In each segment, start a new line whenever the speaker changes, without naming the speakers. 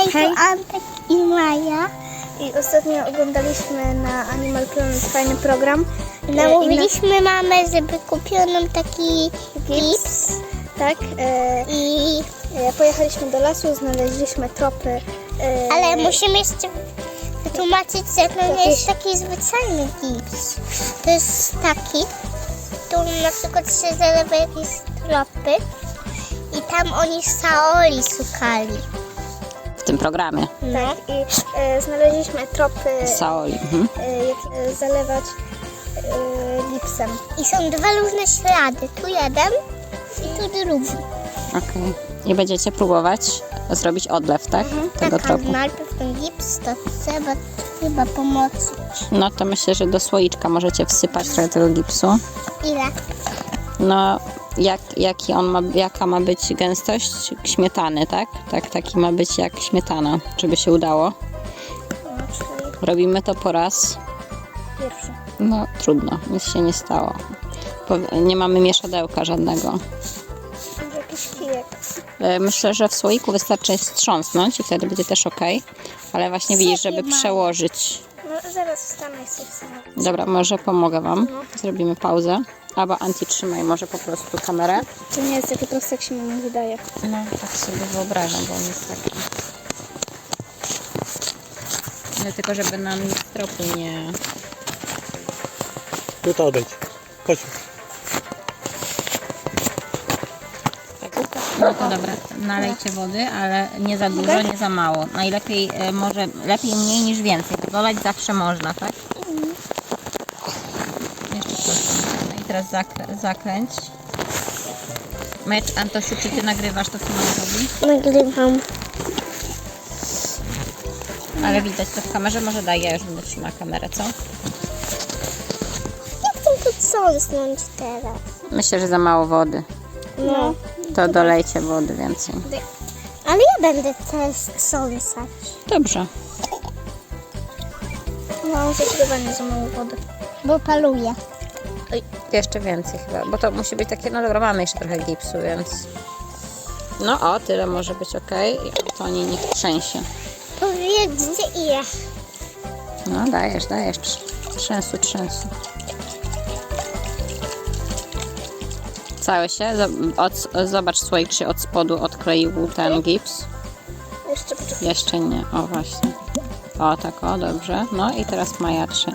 Hej,
Hej.
to Antek i Maja.
I ostatnio oglądaliśmy na Animal Planet fajny program.
Namówiliśmy mamę, żeby kupiła nam taki gips.
Tak.
I...
Pojechaliśmy do lasu, znaleźliśmy tropy.
Ale musimy jeszcze wytłumaczyć, że to nie jest taki zwyczajny gips. To jest taki, tu na przykład się zalewa jakieś tropy i tam oni saoli szukali.
W tym programie.
Tak. I znaleźliśmy tropy,
Saoli.
jak zalewać gipsem.
I są dwa różne ślady. Tu jeden i tu drugi.
Okej. I będziecie próbować zrobić odlew, tak? Tego
Tak,
tropu.
najpierw ten gips to trzeba chyba pomocy.
No to myślę, że do słoiczka możecie wsypać trochę tego gipsu.
Ile?
No, jaka ma być gęstość śmietany, tak? Taki ma być jak śmietana, żeby się udało.
No, czyli
Robimy to po raz.
pierwszy.
No, trudno, nic się nie stało. Nie mamy mieszadełka żadnego.
Może jakiś kijek.
Myślę, że w słoiku wystarczy strząsnąć i wtedy będzie też ok. Ale właśnie widzisz, żeby przełożyć.
No zaraz wstanę i sobie wstanę.
Dobra, może pomogę Wam. Zrobimy pauzę. Albo Anti, trzymaj może po prostu kamerę.
To nie jest takie proste, jak się mi wydaje.
No, tak sobie wyobrażam, bo on jest taki. Ale tylko, żeby nam nic tropu nie...
Tu to odejdź. Chodź.
No to dobra, nalejcie wody, ale nie za dużo, nie za mało. Najlepiej, może lepiej mniej niż więcej. Dolać zawsze można, tak? Jeszcze proszę. No i teraz zakręć. Mecz, Antosiu, czy ty nagrywasz to, co mama robi?
Nagrywam.
Ale widać to w kamerze, może daj, ja już będę trzymała kamerę, co?
Jak chcę to trząsnąć teraz?
Myślę, że za mało wody.
No.
To dolejcie wody więcej.
Ale ja będę też trząsać.
Dobrze.
No, zdecydowanie za mało wody.
Bo paluję.
Oj, jeszcze więcej chyba, bo to musi być takie, no dobra, mamy jeszcze trochę gipsu, więc... No o, tyle może być ok. I to nie niech trzęsie.
Powiedzcie ile.
No dajesz. Trzęsu. Całe się. Zobacz słoik, czy od spodu odkleił ten gips.
Jeszcze poczekaj.
Jeszcze nie. O właśnie. O tak, o dobrze. No i teraz Maja trzy.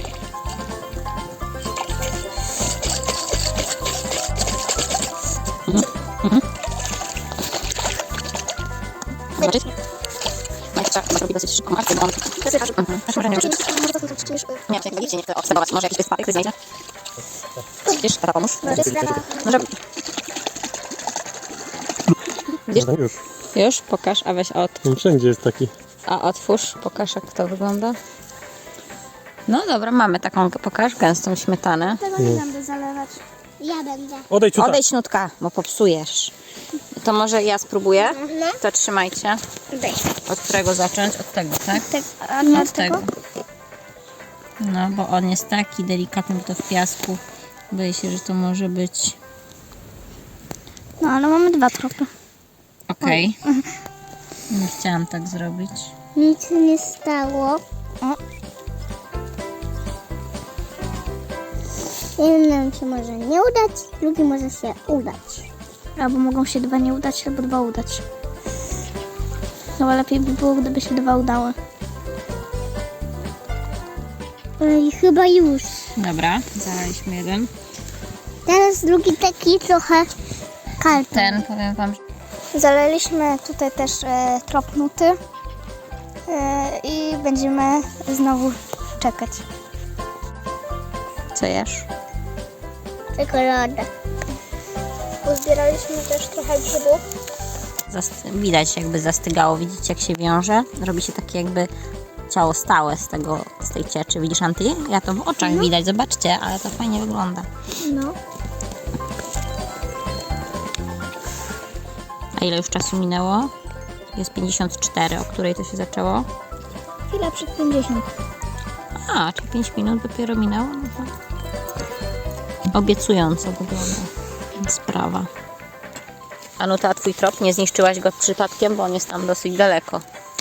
Zobaczyć? Maja trzeba robi dosyć szybko. Masz on. Nie, czekaj, widzicie, nie chcę obserwować. Może jakiś papier znajdzie? Widzisz, tata pomóż. Może... Widzisz?
No już.
Już? Pokaż, a weź
Wszędzie jest taki.
A otwórz, pokaż jak to wygląda. No dobra, mamy taką, pokaż, gęstą śmietanę.
Tego nie będę zalewać.
Ja będę.
Odejdź tutaj.
Odejdź nutka, bo popsujesz. To może ja spróbuję? To trzymajcie.
Daj.
Od którego zacząć? Od tego, tak?
A nie
Od tego. No, bo on jest taki delikatny, bo to w piasku. Boję się, że to może być...
No, ale mamy dwa tropy.
Okej. Nie chciałam tak zrobić.
Nic nie stało. Jednym się może nie udać, drugi może się udać.
Albo mogą się dwa nie udać, albo dwa udać. No, ale lepiej by było, gdyby się dwa udały.
I chyba już.
Dobra, zalaliśmy jeden.
Teraz drugi taki trochę karton.
Ten, powiem wam, że...
Zaleliśmy tutaj też trop nuty i będziemy znowu czekać.
Co jesz?
Czekoladę.
Uzbieraliśmy też trochę grzybów.
Widać jakby zastygało, widzicie jak się wiąże? Robi się takie jakby ciało stałe z tej cieczy. Widzisz, Anty? Ja to w oczach widać, zobaczcie, ale to fajnie wygląda.
No.
A ile już czasu minęło? Jest 54, o której to się zaczęło?
Chwila przed 50.
A, czyli 5 minut dopiero minęło? No to obiecująco wygląda sprawa. Anuta, twój trop, nie zniszczyłaś go przypadkiem, bo on jest tam dosyć daleko.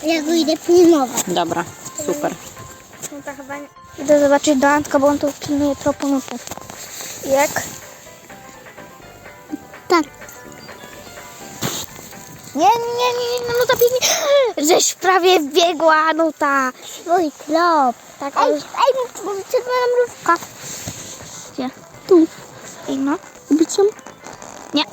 Ja go idę pilnować.
Dobra, super.
No to chyba nie. Idę zobaczyć do Antka, bo on tu pilnuje tropu nuty. Jak?
Tak.
Nie, nuta biegnie. Żeś prawie biegła, nuta.
Mój trop. Tak, ej, czerwona mrówka.
Gdzie? Tu. Ej, no.
Bicią?
Nie.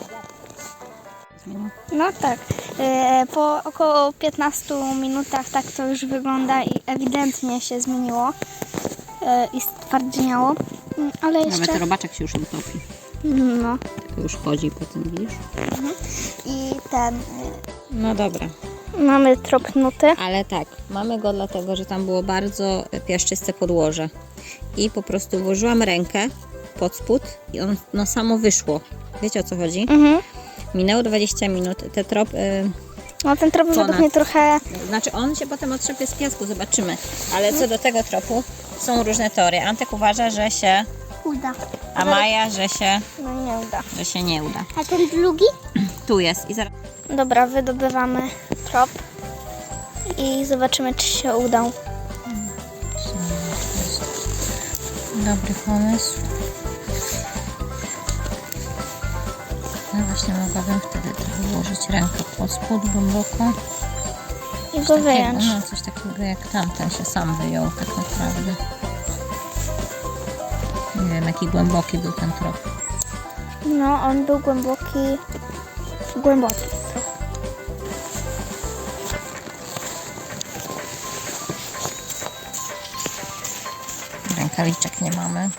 No tak. Po około 15 minutach tak to już wygląda i ewidentnie się zmieniło i stwardniało. Ale jeszcze...
Nawet robaczek się już utopi.
No.
Tylko już chodzi po tym, widzisz?
I ten...
No dobra.
Mamy trop nuty.
Ale tak, mamy go dlatego, że tam było bardzo piaszczyste podłoże. I po prostu włożyłam rękę pod spód i ono samo wyszło. Wiecie, o co chodzi?
Mhm.
Minęło 20 minut. Te trop...
No ten trop według mnie trochę...
Znaczy on się potem otrzepie z piasku, zobaczymy. Ale co do tego tropu, są różne teorie. Antek uważa, że się...
Uda.
A Maja, że się...
No nie uda.
że się nie uda.
A ten drugi?
Tu jest i zaraz...
Dobra, wydobywamy trop i zobaczymy, czy się udał.
Dobry pomysł. No właśnie mogłabym wtedy trochę włożyć rękę pod spód głęboko.
I go wyjąć.
No, coś takiego jak tamten się sam wyjął tak naprawdę. Nie wiem jaki głęboki był ten trop.
No, on był głęboki trochę.
Rękawiczek nie mamy.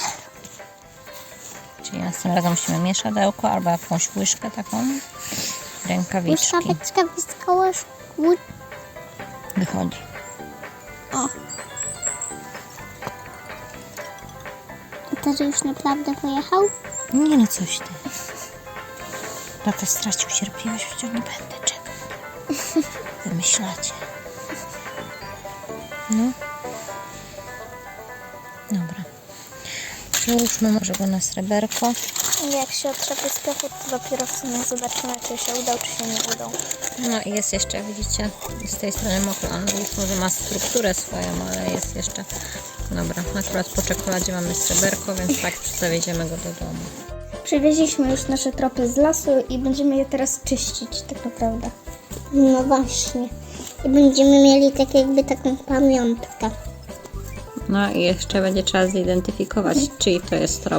Czyli następnym razem musimy mieszadełko albo jakąś łyżkę taką. Rękawiczki.
Łyżkaweczka wyskała z kłód.
Wychodzi.
To, że już naprawdę pojechał?
Nie no coś ty. Tata stracił cierpliwość, przecież nie będę czekać. Wymyślacie. No. Dobra. Przełóżmy może go na sreberko.
I jak się otrzepie z piachu, to dopiero w sumie zobaczymy, czy się udał, czy się nie udał.
No i jest jeszcze, widzicie, z tej strony mokro. On już może ma strukturę swoją, ale jest jeszcze... Dobra, akurat po czekoladzie mamy sreberko, więc tak zawieziemy go do domu.
Przywieźliśmy już nasze tropy z lasu i będziemy je teraz czyścić, tak naprawdę.
No właśnie. I będziemy mieli tak jakby taką pamiątkę.
No i jeszcze będzie trzeba zidentyfikować, czyj to jest trop.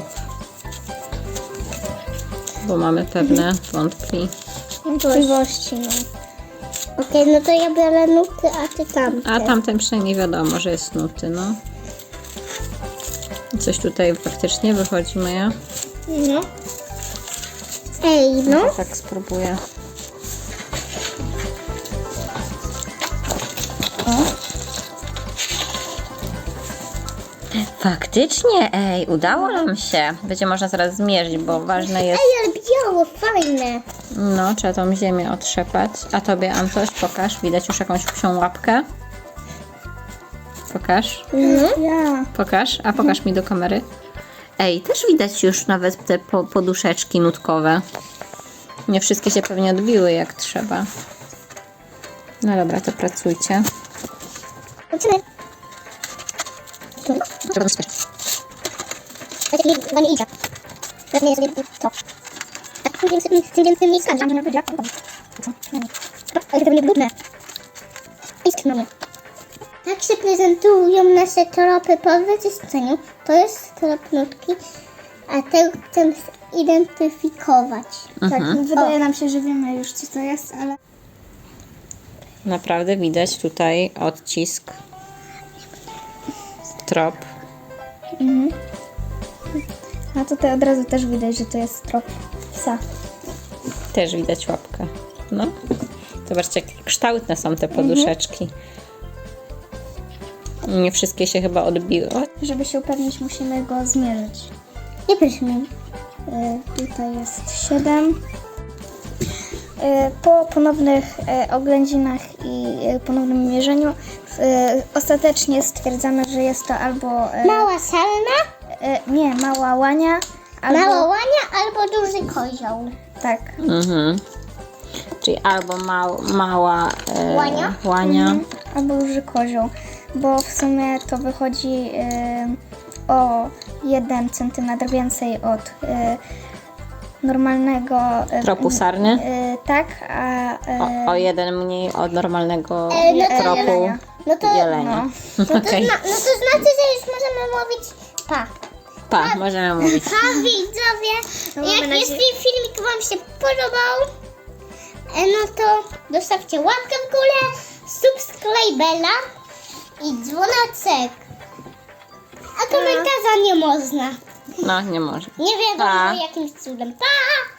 Bo mamy pewne
Wątpliwości, no.
Okej, no to ja biorę nuty, a ty tamte.
A tamten przynajmniej wiadomo, że jest nuty, no. Coś tutaj faktycznie wychodzi, Maja.
No. Ej, no.
Tak spróbuję. Faktycznie, ej, udało nam się. Będzie można zaraz zmierzyć, bo ważne jest...
Ej, ale biało, fajne.
No, trzeba tą ziemię otrzepać. A tobie, Antoś, pokaż. Widać już jakąś psią łapkę. Pokaż.
No.
Ja.
Pokaż. A pokaż mi do kamery. Ej, też widać już nawet te poduszeczki nutkowe. Nie wszystkie się pewnie odbiły jak trzeba. No dobra, to pracujcie.
Zobaczymy. Tak nie idzie. Pewnie jest to. Tak, tym więcej miejsca. Ale to nie brudne. Tak się prezentują nasze tropy po wyczyszczeniu. To jest trop nutki, a ten chcę zidentyfikować.
Tak, wydaje nam się, że wiemy już, co to jest, ale...
Naprawdę widać tutaj odcisk. Trop.
A tutaj od razu też widać, że to jest trop psa.
Też widać łapkę. No. Zobaczcie, jak kształtne są te poduszeczki. Nie wszystkie się chyba odbiły. O,
Żeby się upewnić, musimy go zmierzyć.
Nie proszę mnie.
Tutaj jest 7. Po ponownych oględzinach i ponownym mierzeniu ostatecznie stwierdzamy, że jest to albo...
Mała salna,
nie, mała łania, albo...
mała łania albo duży kozioł.
Tak.
Mhm. Czyli albo mała łania.
Albo duży kozioł, bo w sumie to wychodzi o 1 cm więcej od normalnego
Tropu sarny.
tak, a
O 1 mniej od normalnego
no to
tropu
jelenia.
No to,
jelenia.
no to,
Okej.
no to znaczy, że już możemy mówić pa.
Pa, możemy mówić.
Pa widzowie,
mamy nadzieję-
jeśli filmik wam się podobał, no to zostawcie łapkę w górę, subskrybera i dzwoneczek. A komentarza nie można.
No, nie może.
Nie wiadomo
Pa.
jakimś cudem. Pa!